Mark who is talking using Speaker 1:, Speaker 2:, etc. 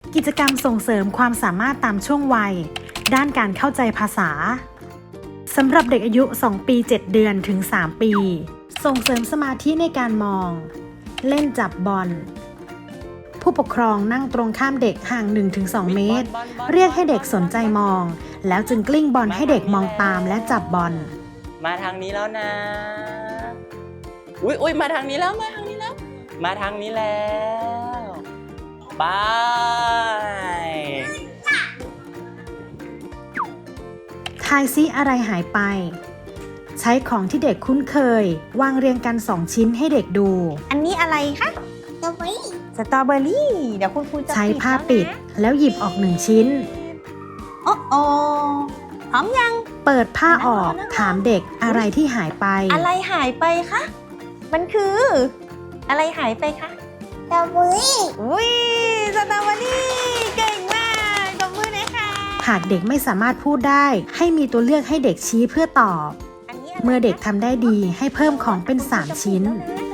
Speaker 1: กิจกรรมส่งเสริมความสามารถตามช่วงวัยด้านการเข้าใจภาษาสำหรับเด็กอายุ 2 ปี 7 เดือนถึง 3 ปี ส่งเสริมสมาธิในการมองเล่นจับบอลผู้ปกครองนั่งตรงข้ามเด็กห่าง 1-2 เมตรเรียกให้เด็กสนใจมองแล้วจึงกลิ้งบอลให้เด็กมองตามและจับบอล
Speaker 2: มาทางนี้แล้วนะอุ๊ยมาทางนี้แล้วมาทางนี้แล้วไป
Speaker 1: ทายซิอะไรหายไปใช้ของที่เด็กคุ้นเคยวางเรียงกัน2ชิ้นให้เด็กดู
Speaker 3: อันนี้อะไรคะสตรอเบอรี่เดี๋ยวคุณครูจะ
Speaker 1: ใช้ผ้าปิดแล้วหยิบออก1ชิ้น
Speaker 3: โอ้พร้อมยัง
Speaker 1: เปิดผ้าออกถามเด็กอะไรที่หายไป
Speaker 3: อะไรหายไปคะมันคืออะไรหายไปคะ
Speaker 4: สตรอเบอรี่
Speaker 3: อุ้ยสตรอเบอรี่เก่งมากตบมือหน่อยค่ะ
Speaker 1: หากเด็กไม่สามารถพูดได้ให้มีตัวเลือกให้เด็กชี้เพื่อตอบเมื่อเด็กทำได้ดีให้เพิ่มของเป็น3ชิ้น